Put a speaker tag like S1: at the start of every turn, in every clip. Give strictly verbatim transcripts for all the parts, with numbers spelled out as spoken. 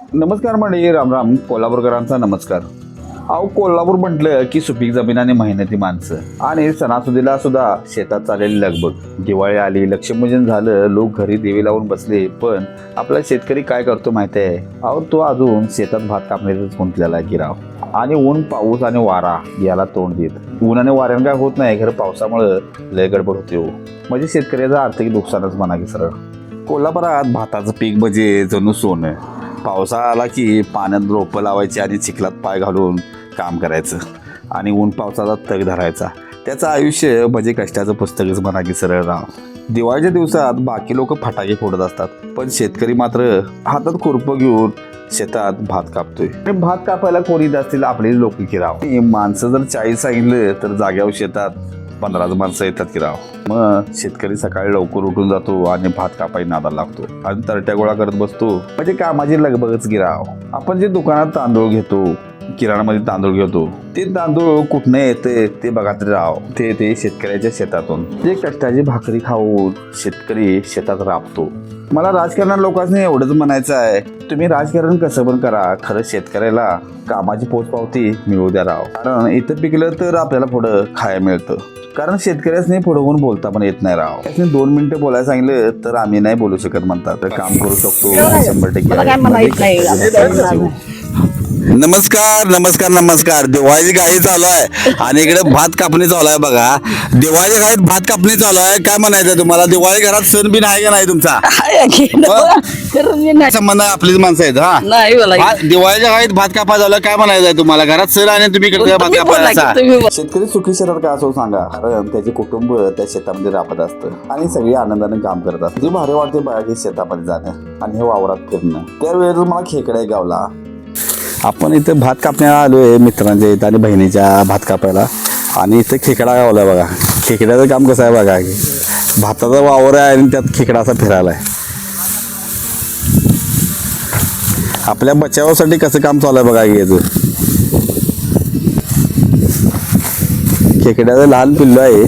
S1: नमस्कार मंडळी, राम राम. कोल्हापूरकरांचा नमस्कार. अहो, कोल्हापूर म्हटलं की सुपीक जमीन आणि मेहनती माणसं आणि सणासुदीला सुद्धा शेतात चाललेली लगबग. दिवाळी आली, लक्ष्मीपूजन झालं, लोक घरी दिवे लावून बसले. पण आपला शेतकरी काय करतो माहिती आहे? अहो, तो अजून शेतात भात कापण्यातच गुंतलेला आहे गिराव. आणि ऊन, पाऊस आणि वारा याला तोंड देत. ऊन आणि वाऱ्यानं काय होत नाही, खरं पावसामुळं लय गडबड होते हो. म्हणजे शेतकऱ्याचं आर्थिक नुकसानच म्हणा की सरळ. कोल्हापुरात भाताचं पीक म्हणजे जणू सोनं. पावसाळा आला की पाण्यात रोपं लावायची आणि चिखलात पाय घालून काम करायचं आणि ऊन पावसाचा तग धरायचा. त्याचं आयुष्य म्हणजे कष्टाचं पुस्तकच म्हणा की सरळ राव. दिवाळीच्या दिवसात बाकी लोक फटाके फोडत असतात, पण शेतकरी मात्र हातात खुरपं घेऊन शेतात भात कापतोय. आणि भात कापायला कोणी असतील आपली लोक की राव. माणसं जर चाळीस सांगितलं तर जाग्यावर शेतात पंधराच माणसं येतात की राव. मग शेतकरी सकाळी लवकर उठून जातो आणि भात कापाई नादाला लागतो आणि तरट्या गोळा करत बसतो. म्हणजे कामाची लगबगच की राव. आपण जे दुकानात तांदूळ घेतो, किराणामध्ये तांदूळ घेतो, ते तांदूळ कुठनं येते ते बघा तरी राव. ते ते शेतकऱ्याच्या शेतातून. ते कष्टाची भाकरी खाऊन शेतकरी शेतात राबतो. मला राजकारणात लोकांनी एवढंच म्हणायचं आहे, तुम्ही राजकारण कसं पण करा, खरं शेतकऱ्याला कामाची पोचपावती मिळू द्या राव. कारण इथं पिकलं तर आपल्याला पुढं खायला मिळतं. कारण शेतकऱ्यासनी पुढे होऊन बोलता पण येत नाही राव. त्याने दोन मिनिटं बोलायला सांगितलं तर आम्ही नाही बोलू शकत म्हणतात. तर काम करू शकतो शंभर टक्के.
S2: नमस्कार नमस्कार नमस्कार. दिवाळी गाई चालू आहे आणि इकडे भात कापणी चालू आहे बघा. दिवाळी गाईत भात कापणी चालू आहे. काय म्हणायचं तुम्हाला? दिवाळी घरात सण बिन आहे का नाही तुमचा? संबंध आपलीच माणसं आहेत. हा भा- दिवाळीच्या गाईत भात कापा झालं. काय म्हणायचं तुम्हाला? घरात सण आणि तुम्ही करताय भात कापायचा.
S1: शेतकरी सुखी शेतात का असो सांगा, कारण त्याचे कुटुंब त्या शेतामध्ये राबत असतं आणि सगळी आनंदाने काम करत असतात. जे भारी वाटते बघा की शेतामध्ये जाणं आणि हे वावरात फिरणं. त्यावेळेस मला खेकडा गावला.
S2: आपण इथे भात कापण्याला आलोय मित्रांच्या इथं आणि बहिणीच्या भात कापायला. आणि इथे खेकडा गावला बघा. खेकड्याचं काम कसं आहे बघा की भाताचा वावर आहे आणि त्यात खेकडा असा फिरायला आहे. आपल्या बचावासाठी कसं काम चालू आहे बघा की याचं. खेकड्याचं लहान पिल्लू आहे.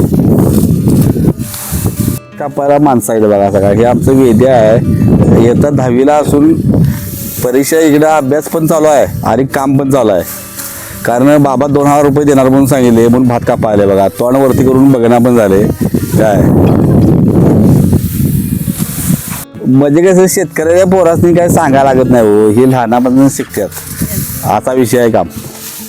S2: कापायला माणसं आहेत बघा सगळा. हे आमचं वेद्य आहे. येतात दहावीला असून परीक्षा इकडे अभ्यास पण चालू आहे आणि काम पण चालू आहे. कारण बाबा दोन हजार रुपये देणार म्हणून सांगितले म्हणून भात कापायला बघा. तोंड वरती करून बघणार पण झाले. काय म्हणजे कसं शेतकऱ्याच्या पोरासनी काय सांगायला लागत नाही हो. हे लहानापासून शिकतात. असा विषय आहे काम.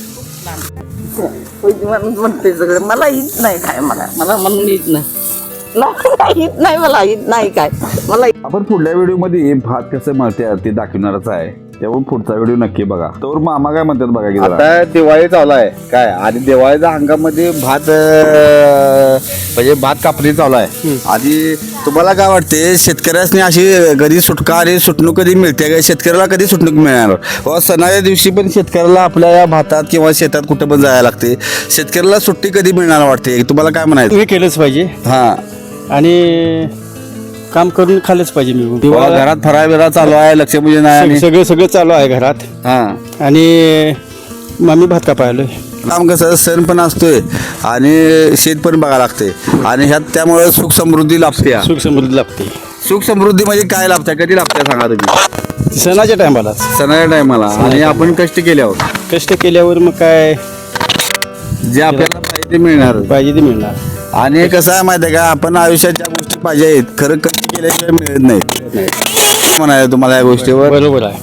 S3: म्हणते सगळं मला येत नाही काय. मला मला म्हणून येत नाही. येत नाही मला येत नाही काय. मला
S1: आपण पुढल्या व्हिडिओ मध्ये भात कसं मळतात ते दाखवणारच आहे. त्यामुळे पुढचा व्हिडिओ नक्की बघा. तर मामा काय म्हणतात बघा की जरा.
S2: आता दिवाळी चालू आहे काय आणि दिवाळीच्या हंगामध्ये भात अं, म्हणजे भात कापणी चालू आहे. आणि तुम्हाला काय वाटते शेतकऱ्यासनी अशी कधी सुटका आणि सुटणूक कधी मिळते का? शेतकऱ्याला कधी सुटणूक मिळणार? व सणाच्या दिवशी पण शेतकऱ्याला आपल्या या भातात किंवा शेतात कुठे पण जायला लागते. शेतकऱ्याला सुट्टी कधी मिळणार वाटते? तुम्हाला काय म्हणायचं?
S4: हे केलंच पाहिजे
S2: हा
S4: आणि काम करून खाल्लंच पाहिजे. मी
S2: किंवा घरात फराळ बिरा चालू आहे, लक्ष्मीपूजन आहे आणि
S4: सगळं सगळं चालू आहे घरात.
S2: हा
S4: आणि मग मी भात कापायलोय.
S2: काम कसं सण पण असतोय आणि शेत पण बघायला लागते आणि ह्यात त्यामुळे सुख समृद्धी लाभते.
S4: सुख समृद्धी लागते.
S2: सुख समृद्धी म्हणजे काय लाभते? कधी लाभते सांगा तुम्ही?
S4: सणाच्या टायमाला
S2: सणाच्या टायमाला. आणि आपण कष्ट केल्यावर
S4: कष्ट केल्यावर मग काय
S2: जे आपल्याला पाहिजे ते मिळणार.
S4: पाहिजे ते मिळणार.
S2: आणि कसं आहे माहिती आहे का, आपण आयुष्यात ज्या गोष्टी पाहिजे आहेत खरं कष्ट केल्याशिवाय मिळत नाहीत. म्हणायचं तुम्हाला या गोष्टीवर?
S4: बरोबर आहे.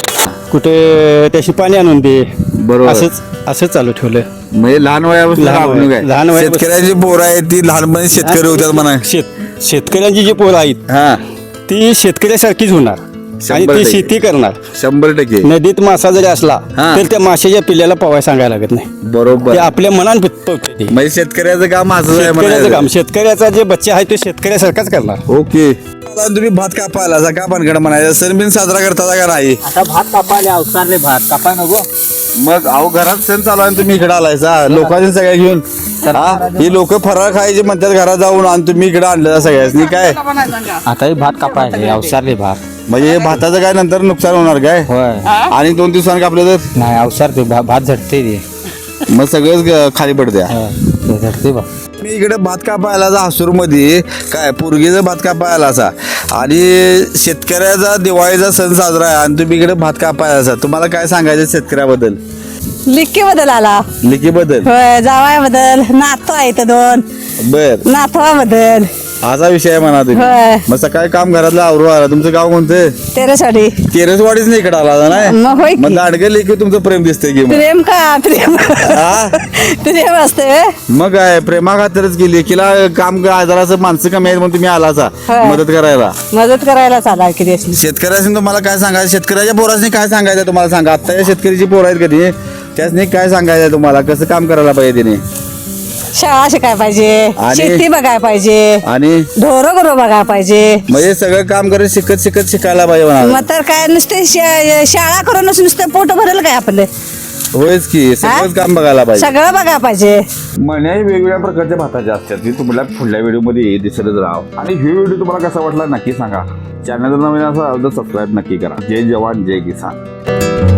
S4: कुठे त्याशी पाणी आणून दे.
S2: बरोबर.
S4: असंच असंच चालू ठेवलं.
S2: म्हणजे लहान वयापासून
S4: लहान वया-
S2: आपण काय
S4: लहान वयापासून-
S2: शेतकऱ्याची पोरं आहेत ती लहानपणी शेतकरी होतात म्हणा.
S4: शेत शेतकऱ्यांची जी पोरं आहेत
S2: हा
S4: ती शेतकऱ्यासारखीच होणार आणि
S2: शंभर
S4: ती
S2: टक्के.
S4: शेती करणार.
S2: शंभर टक्के
S4: नदीत मासा जरी असला
S2: हा.
S4: तर त्या माशाच्या पिल्ल्याला पवाय सांगायला लागत नाही.
S2: बरोबर.
S4: ते आपल्या मनात पवते ते.
S2: म्हणजे शेतकऱ्याचं काम असं आहे
S4: शेतकऱ्याचं
S2: म्हणायचं.
S4: काम शेतकऱ्याचा जे बच्चा आहे तो शेतकऱ्यासारखाच करणार.
S2: ओके. तुम्ही भात कापायला का भानगड म्हणायचं? सण बिन साजरा करता का नाही?
S3: आता भात कापायला अवसारले भात कापाय नको.
S2: मग अहो घरात सण चालू आहे तुम्ही इकडे आलायचा लोकांनी सगळ्या घेऊन. हा ही लोक फराळ खायचे म्हणतात घरात जाऊन आणि तुम्ही इकडे आणलं सगळ्यासनी काय?
S3: आता हे भात कापायला अवसारले भात.
S2: म्हणजे हे भाताचं काय नंतर नुकसान होणार काय?
S3: होय
S2: आणि दोन दिवसांनी कापलं तर
S3: नाही अवसार ते भात झटते ते.
S2: मग सगळंच ग- खाली पडत्या.
S4: धरते बा
S2: मी इकडे भात कापायला जा हसूर मध्ये काय पोरगीचा भात कापायला असा आणि शेतकऱ्याचा दिवाळीचा सण साजरा आहे आणि तुम्ही इकडे भात कापायला असा तुम्हाला काय सांगायचं शेतकऱ्याबद्दल
S5: लिक्की बदल आला
S2: लिखी बद्दल
S5: होय जावाय बदल नातू आहे इथं दोन
S2: बर
S5: नातवा बदल
S2: असा विषय आहे म्हणा तुम्ही
S5: होय
S2: मग सकाळी काम घरातलं आवरू आला तुमचं गाव कोणतं
S5: तेरासाठी
S2: तेरसवाडीच नाही इकडे आला नाही
S5: मग होय
S2: मग
S5: की
S2: लाडके लेखी तुमचं प्रेम दिसतंय की मग
S5: प्रेम का प्रेम
S2: हा?
S5: प्रेम असते
S2: मग काय प्रेमा खातरच की लेकीला काम जरासं माणसं कमी आहेत म्हणून तुम्ही आलाचा
S5: होय.
S2: मदत करायला
S5: मदत करायला चाला किती
S2: शेतकऱ्याशी तुम्हाला काय सांगायचं शेतकऱ्याच्या पोरासनी काय सांगायचं तुम्हाला सांगा आता शेतकऱ्याची पोरं आहेत कधी त्यासनी काय सांगायचं तुम्हाला कसं काम करायला पाहिजे तिने
S5: शाळा शिकाय पाहिजे
S2: आणि-
S5: शेती बघाय पाहिजे
S2: आणि
S5: ढोरं गुरं बघाय पाहिजे
S2: म्हणजे सगळं काम करत शिकत शिकत शिकायला पाहिजे म्हणा
S5: मग तर काय नुसते शा- शाळा करूनच नुसतं पोट भरेल काय आपलं
S2: होयच की सगळंच काम बघायला पाहिजे
S5: सगळं बघाय पाहिजे
S1: मण्या वेगवेगळ्या प्रकारच्या भाताच्या असतात ती तुम्हाला पुढल्या व्हिडिओमध्ये दिसतच राहा आणि ही व्हिडिओ तुम्हाला कसा वाटला नक्की सांगा चॅनल जर नवीन असा तर सबस्क्राईब नक्की करा जय जवान जय किसान